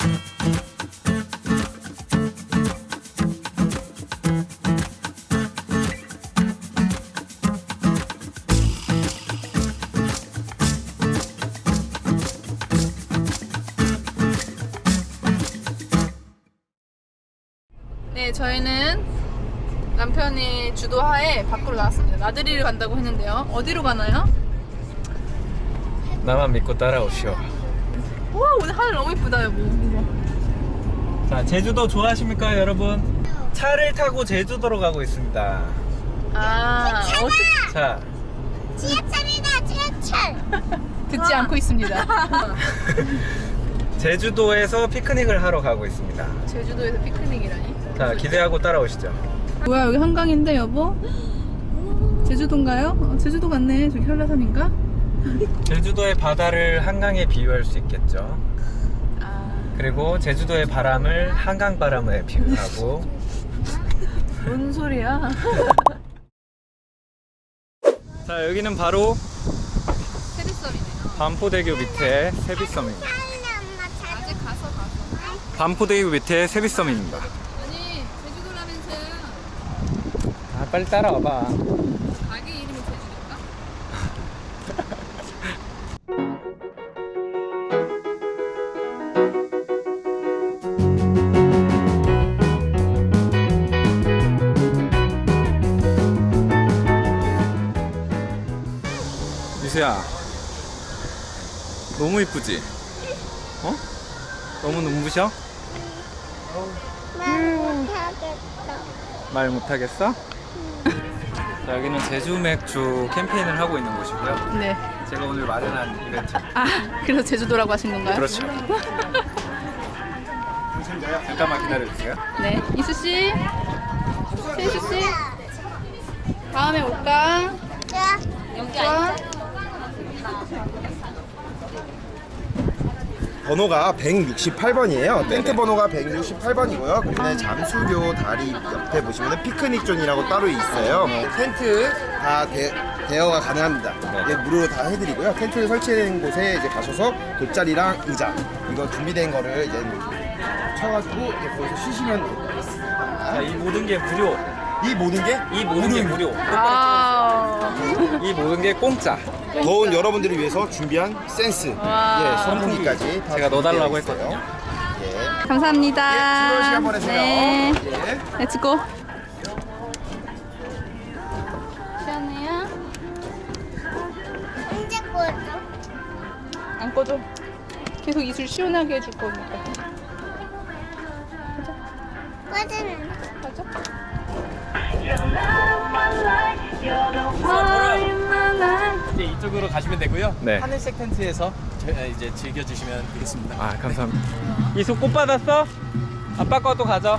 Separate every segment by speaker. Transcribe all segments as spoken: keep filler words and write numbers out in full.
Speaker 1: 네, 저희는 남편이 주도하에 밖으로 나왔습니다. 나들이를 간다고 했는데요. 어디로 가나요?
Speaker 2: 나만 믿고 따라오시오.
Speaker 1: 우와, 오늘 하늘 너무 이쁘다, 여보.
Speaker 2: 자, 제주도 좋아하십니까, 여러분? 차를 타고 제주도로 가고 있습니다.
Speaker 1: 아, 어,
Speaker 2: 자,
Speaker 3: 지하철이다, 지하철.
Speaker 1: 듣지 않고 있습니다.
Speaker 2: 제주도에서 피크닉을 하러 가고 있습니다.
Speaker 1: 제주도에서 피크닉이라니?
Speaker 2: 자, 기대하고 따라오시죠.
Speaker 1: 뭐야, 여기 한강인데, 여보? 제주도인가요? 어, 제주도 같네. 저기 한라산인가?
Speaker 2: 제주도의 바다를 한강에 비유할 수 있겠죠.
Speaker 1: 아,
Speaker 2: 그리고 제주도의 바람을 한강 바람에 비유하고.
Speaker 1: 뭔 소리야?
Speaker 2: 자, 여기는 바로
Speaker 1: 세비섬이네요.
Speaker 2: 반포대교 밑에 세비섬입니다.
Speaker 1: 아직 가서 가서.
Speaker 2: 반포대교 밑에 세비섬입니다.
Speaker 1: 아니, 제주도라면서요.
Speaker 2: 아, 빨리 따라와봐.
Speaker 1: 가게 이름이 제주도인가?
Speaker 2: 유수야, 너무 이쁘지? 어? 너무 눈부셔?
Speaker 3: 말 못하겠다.
Speaker 2: 말 못하겠어? 자, 여기는 제주 맥주 캠페인을 하고 있는 곳이고요.
Speaker 1: 네.
Speaker 2: 제가 오늘 마련한 이벤트.
Speaker 1: 아, 그래서 제주도라고 하신 건가요?
Speaker 2: 그렇죠. 잠깐만 기다려주세요.
Speaker 1: 네. 이수씨, 세수씨, 다음에 올까?
Speaker 3: 자,
Speaker 1: 좋아.
Speaker 4: 번호가 백육십팔 번이에요. 텐트 번호가 백육십팔 번이고요. 그리고 잠수교 다리 옆에 보시면 피크닉 존이라고 따로 있어요. 텐트 다 대, 대여가 가능합니다. 이게 무료로 다 해드리고요. 텐트를 설치된 곳에 이제 가셔서 돗자리랑 의자 이거 준비된 거를 이제 쳐가지고 이제 거기서 쉬시면 됩니다.
Speaker 2: 자, 이 모든 게 무료.
Speaker 4: 이 모든 게
Speaker 2: 이 모든 게 무료.
Speaker 1: 아,
Speaker 2: 이 모든 게 공짜.
Speaker 4: 더운 여러분들을 위해서 준비한 센스,
Speaker 1: 와.
Speaker 4: 예, 선풍기까지 다
Speaker 2: 제가 넣어달라고
Speaker 4: 준비되어 있어요.
Speaker 2: 했거든요.
Speaker 4: 예.
Speaker 1: 감사합니다.
Speaker 4: 예, 즐거운 시간 보내세요.
Speaker 1: 네.
Speaker 4: 예.
Speaker 1: 렛츠고. 시원해요?
Speaker 3: 언제 꺼져?
Speaker 1: 안 꺼져. 계속 이술 시원하게 해줄 거니까.
Speaker 3: 꺼지는.
Speaker 1: 맞아?
Speaker 5: 이제 이쪽으로 가시면 되고요.
Speaker 2: 네.
Speaker 5: 하늘색 텐트에서 저- 이제 즐겨주시면 되겠습니다.
Speaker 2: 아, 감사합니다. 이수 꽃 받았어? 아빠 것도 가져.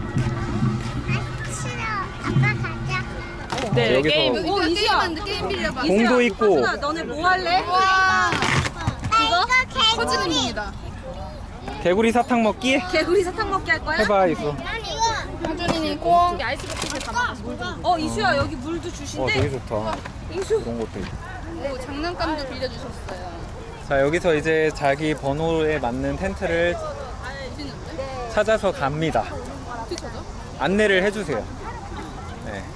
Speaker 3: 싫어. 아빠 가자.
Speaker 1: 네.
Speaker 2: 여기서
Speaker 1: 게임.
Speaker 6: 오, 이수야.
Speaker 1: 게임 빌려봐.
Speaker 2: 공도 있고.
Speaker 6: 너네 뭐 할래?
Speaker 3: 나 이거
Speaker 1: 커지는
Speaker 3: 개구리.
Speaker 1: 중이다.
Speaker 2: 개구리 사탕 먹기?
Speaker 6: 개구리 사탕 먹게 할 거야?
Speaker 2: 해봐, 이수.
Speaker 3: 난 이거.
Speaker 1: 하준이는 꽁. 아이스 버킷을 담아서 물 좀.
Speaker 6: 어, 이수야, 여기 물도
Speaker 2: 어,
Speaker 6: 주신대.
Speaker 2: 되게 좋다.
Speaker 6: 이수.
Speaker 2: 그런 것도 있고.
Speaker 1: 오, 장난감도 빌려주셨어요.
Speaker 2: 자, 여기서 이제 자기 번호에 맞는 텐트를 찾아서 갑니다.
Speaker 1: 어떻게 찾아?
Speaker 2: 안내를 해주세요. 네.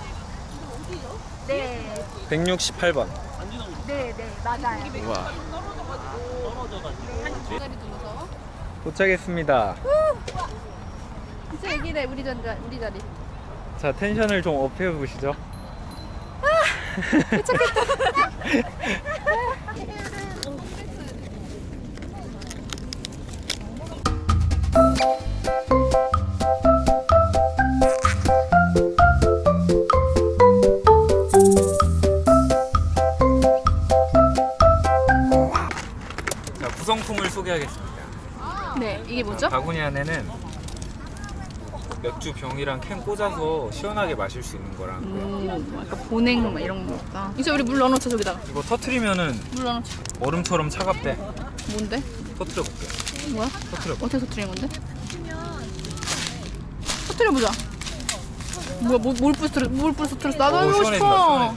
Speaker 6: 네,
Speaker 2: 백육십팔 번.
Speaker 6: 네, 네, 맞아요.
Speaker 2: 우와.
Speaker 1: 자리 둘러서.
Speaker 2: 도착했습니다.
Speaker 1: 진짜 여기래, 우리 자리, 우리 자리.
Speaker 2: 자, 텐션을 좀 업해 보시죠. 자, 구성품을 소개하겠습니다.
Speaker 1: 네, 이게 뭐죠?
Speaker 2: 바구니 안에는 맥주 병이랑 캔 꽂아서 시원하게 마실 수 있는 거랑
Speaker 1: 음, 약간 보냉 막 이런 거 같다. 이제 우리 물 넣어놓자, 저기다가.
Speaker 2: 이거 터트리면은
Speaker 1: 물 넣어놓자.
Speaker 2: 얼음처럼 차갑대.
Speaker 1: 뭔데?
Speaker 2: 터트려 볼게.
Speaker 1: 뭐야?
Speaker 2: 터트려.
Speaker 1: 어떻게 터트리는 건데? 터트려보자. 뭐야, 뭘, 뭘 부스트려, 뭘 부스트렸어? 나도
Speaker 2: 오,
Speaker 1: 해보고
Speaker 2: 시원해진다,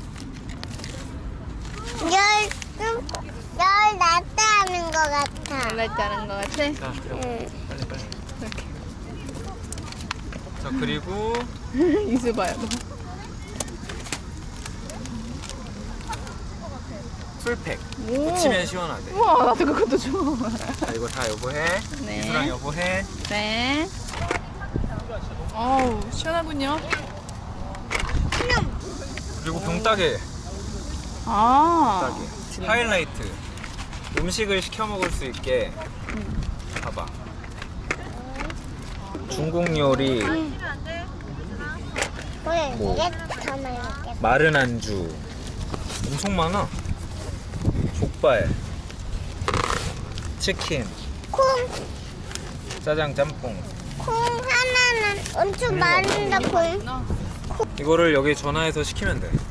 Speaker 1: 싶어.
Speaker 2: 시원해진다.
Speaker 3: 열, 좀, 열 낮다 하는 것 같아.
Speaker 1: 말할 때 하는 것 같아?
Speaker 2: 자,
Speaker 3: 응.
Speaker 2: 빨리 빨리. 자, 그리고
Speaker 1: 이수 봐요.
Speaker 2: 풀팩.
Speaker 1: 오.
Speaker 2: 붙이면 시원하대.
Speaker 1: 우와, 나도 그것도 줘.
Speaker 2: 자, 이거 다 여보 해.
Speaker 1: 네.
Speaker 2: 이수랑 여보 해.
Speaker 1: 네. 어우, 시원하군요.
Speaker 2: 그리고 병따개.
Speaker 1: 아.
Speaker 2: 따개. 하이라이트. 음식을 시켜 먹을 수 있게. 봐봐. 중국 요리,
Speaker 3: 그래,
Speaker 2: 뭐.
Speaker 3: 이게 더 맛있겠다.
Speaker 2: 마른 안주. 엄청 많아. 족발, 치킨,
Speaker 3: 콩,
Speaker 2: 짜장 짬뽕.
Speaker 3: 콩 하나는 엄청 많은데 콩.
Speaker 2: 이거를 여기 전화해서 시키면 돼.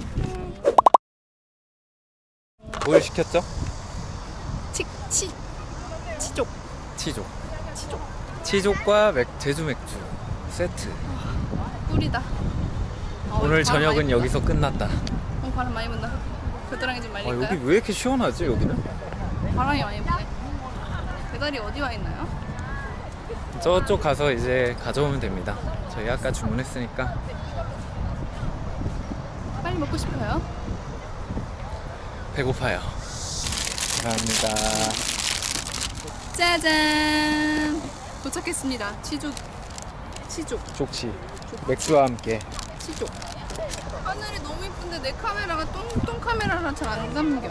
Speaker 2: 뭘 시켰죠?
Speaker 1: 치, 치, 치족.
Speaker 2: 치족.
Speaker 1: 치족.
Speaker 2: 치족과 맥, 제주 맥주 세트.
Speaker 1: 꿀이다. 어,
Speaker 2: 오늘
Speaker 1: 바람
Speaker 2: 저녁은
Speaker 1: 많이
Speaker 2: 여기서 끝났다.
Speaker 1: 분다. 어, 바람 많이 분다. 겨드랑이 좀
Speaker 2: 아,
Speaker 1: 말릴까요?
Speaker 2: 여기 왜 이렇게 시원하지 여기는?
Speaker 1: 바람이 많이 부네. 배달이 어디 와 있나요?
Speaker 2: 저쪽 가서 이제 가져오면 됩니다. 저희 아까 주문했으니까.
Speaker 1: 빨리 먹고 싶어요.
Speaker 2: 배고파요. 감사합니다.
Speaker 1: 짜잔. 도착했습니다. 치족. 치족.
Speaker 2: 족치 맥주와 함께.
Speaker 1: 치족. 하늘이 너무 이쁜데 내 카메라가 똥똥 카메라라 잘 안 담겨.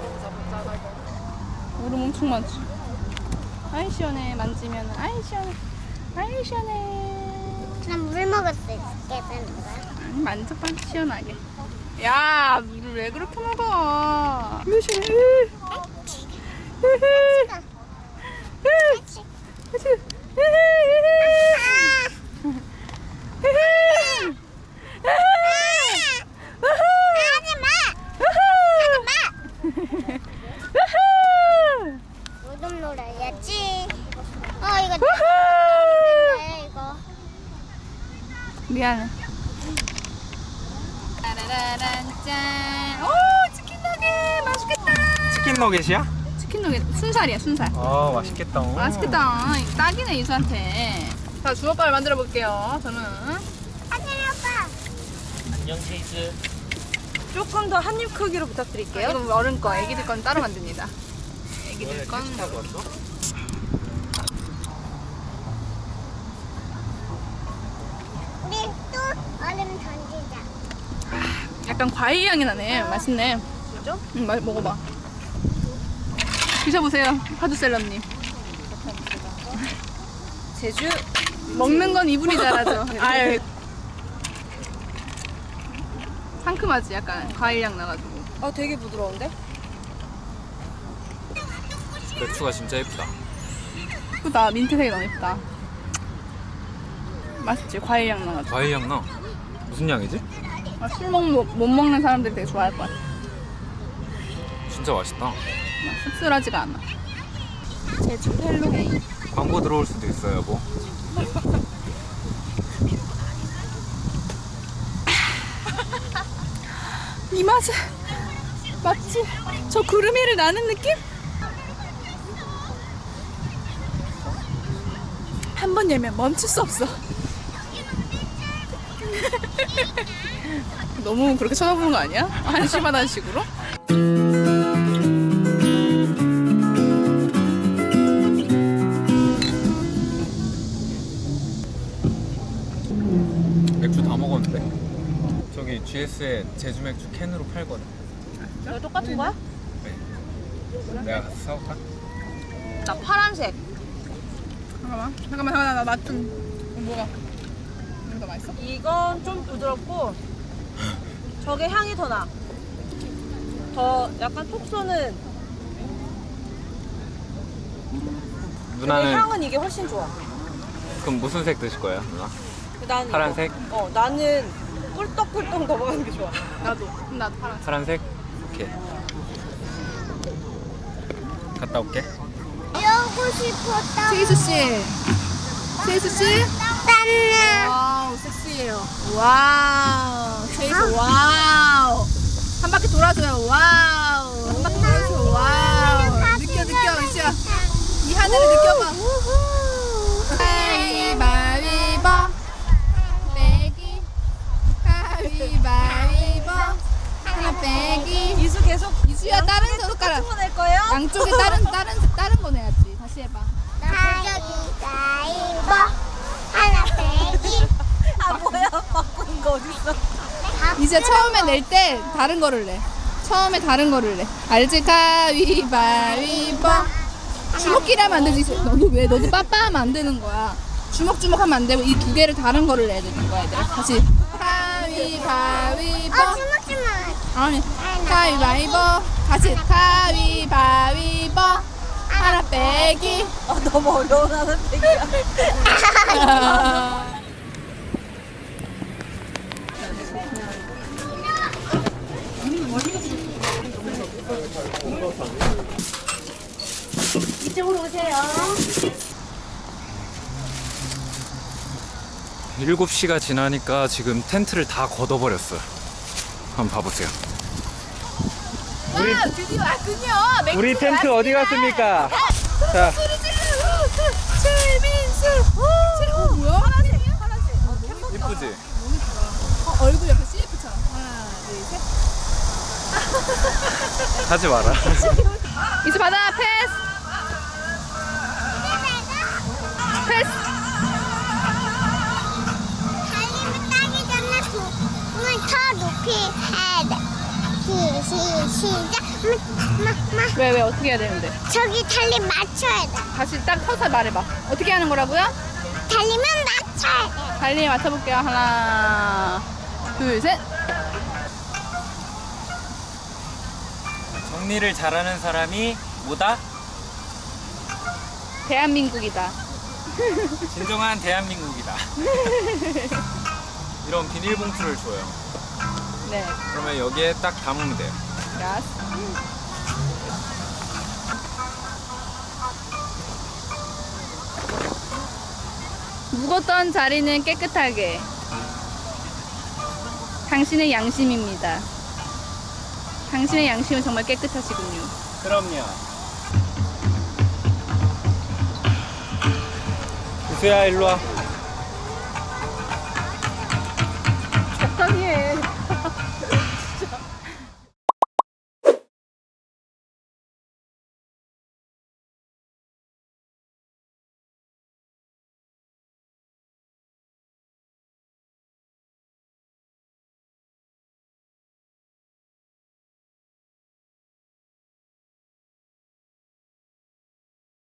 Speaker 1: 얼음 엄청 많지. 아이 시원해. 만지면 아이 시원해. 아이 시원해.
Speaker 3: 난 물 먹을 수 있게 되는 거야.
Speaker 1: 음, 만져봐 시원하게. 야 물을 왜 그렇게 먹어? 왜 시원해?
Speaker 3: 요즘 놀아야지. 어 이거 내 이거.
Speaker 1: 미안해. 따라라란 짠. 오 치킨 너겟 맛있겠다.
Speaker 2: 치킨 너겟이야?
Speaker 1: 치킨 너겟 순살이야 순살.
Speaker 2: 아 맛있겠다.
Speaker 1: 맛있겠다. 딱이네 이수한테. 자 주먹밥을 만들어 볼게요. 저는
Speaker 3: 하진이 오빠.
Speaker 5: 안녕 체이스.
Speaker 6: 조금 더 한 입 크기로 부탁드릴게요.
Speaker 1: 이건 어른 거, 애기들 건 따로 만듭니다. 애기들 건
Speaker 3: 우리 또 얼음 던지자.
Speaker 1: 약간 과일 향이 나네. 맛있네.
Speaker 6: 진짜?
Speaker 1: 응, 마, 먹어봐. 드셔보세요, 파주셀럽님.
Speaker 6: 제주
Speaker 1: 먹는 건 이분이 잘하죠. 아유. 상큼하지, 약간 과일 향 나가지고.
Speaker 6: 어 되게 부드러운데?
Speaker 2: 맥주가 진짜 예쁘다.
Speaker 1: 예쁘다, 민트색이 너무 예쁘다. 맛있지, 과일 향 나가지고.
Speaker 2: 과일 향 나. 무슨 향이지?
Speaker 1: 아, 술 먹, 못, 못 먹는 사람들이 되게 좋아할 것 같아.
Speaker 2: 진짜 맛있다.
Speaker 1: 막 씁쓸하지가 않아. 제주 헬로게이.
Speaker 2: 광고 들어올 수도 있어요, 뭐.
Speaker 1: 이 맛은 맞지? 저 구름 위를 나는 느낌? 한 번 열면 멈출 수 없어. 너무 그렇게 쳐다보는 거 아니야? 한심하다는 식으로?
Speaker 2: 맥주 다 먹었는데. 저기 지에스에 제주 맥주 캔으로 팔거든.
Speaker 6: 이거 똑같은 거야?
Speaker 2: 네. 내가 가서 사올까?
Speaker 6: 나 파란색.
Speaker 1: 잠깐만, 잠깐만, 잠깐만, 나 맛 좀. 뭐가? 이거 더 맛있어?
Speaker 6: 이건 좀 부드럽고 저게 향이 더 나. 더 약간 톡 쏘는. 근데
Speaker 2: 누나는
Speaker 6: 향은 이게 훨씬 좋아.
Speaker 2: 그럼 무슨 색 드실 거예요, 누나?
Speaker 6: 난
Speaker 2: 파란색?
Speaker 6: 이거. 어 나는 꿀떡꿀떡 넘어가는 게 좋아.
Speaker 1: 나도. 그럼 나도 파란색.
Speaker 2: 파란색? 오케이. 갔다 올게.
Speaker 3: 여고 싶었다.
Speaker 1: 세이수 씨. 세이수 씨.
Speaker 3: 딴나.
Speaker 1: 와우, 섹시해요. 와우. 세이수 와우. 한 바퀴 돌아줘요. 와우. 한 바퀴 돌아줘요. 와우. 느껴, 느껴, 이시야. 이 하늘을 느껴봐. 가위바위보 빼기 가위바위보 하나 빼기.
Speaker 6: 이수 계속
Speaker 1: 이수야 다른 젓가락
Speaker 6: 똑같은 거 낼 거예요?
Speaker 1: 양쪽에 다른 다른 다른 거 내야지. 다시 해봐.
Speaker 3: 가위바위보 하나 빼기.
Speaker 6: 아 뭐야 바꾼 거 어딨어?
Speaker 1: 이제 처음에 낼 때 다른 거를 내. 처음에 다른 거를 내. 알지? 가위바위보. 주먹끼리 하면 안 되지. 너도 왜? 너도 빠빠하면 안 되는 거야. 주먹주먹 하면 안 되고 이 두 개를 다른 거를 내야 되는 거야, 얘들아. 다시. 가위바위보.
Speaker 3: 어, 주먹주먹.
Speaker 1: 아니, 가위바위보. 다시. 가위바위보. 하나 빼기.
Speaker 6: 아 너무 어려운 하는 얘기야.
Speaker 3: 이쪽으로 오세요.
Speaker 2: 일곱 시가 지나니까 지금 텐트를 다 걷어버렸어요. 한번 봐보세요.
Speaker 1: 와, 드디어 왔군요.
Speaker 2: 우리 텐트 어디 갔습니까? 자,
Speaker 1: 최민수. 어, 뭐야? 파란색. 파란색.
Speaker 2: 이쁘지?
Speaker 1: 어, 얼굴 옆에 씨에프처럼. 하나, 둘, 셋.
Speaker 2: 하지 마라.
Speaker 1: 이수 받아. 패스. 패스.
Speaker 3: 달리면 따기 전에 손을 더 높이 해야 돼. 시, 시, 시작. 마, 마, 마.
Speaker 1: 왜, 왜, 어떻게 해야 되는데?
Speaker 3: 저기 달리 맞춰야 돼.
Speaker 1: 다시 딱 서서 말해봐. 어떻게 하는 거라고요?
Speaker 3: 달리면 맞춰야 돼.
Speaker 1: 달리 맞춰볼게요. 하나, 둘, 셋.
Speaker 2: 정리를 잘하는 사람이 뭐다?
Speaker 1: 대한민국이다.
Speaker 2: 진정한 대한민국이다. 이런 비닐봉투를 줘요.
Speaker 1: 네.
Speaker 2: 그러면 여기에 딱 담으면 돼요.
Speaker 1: 야스. 묵었던 자리는 깨끗하게. 당신의 양심입니다. 당신의 양심은 정말 깨끗하시군요.
Speaker 2: 그럼요. 이수야 일로 와.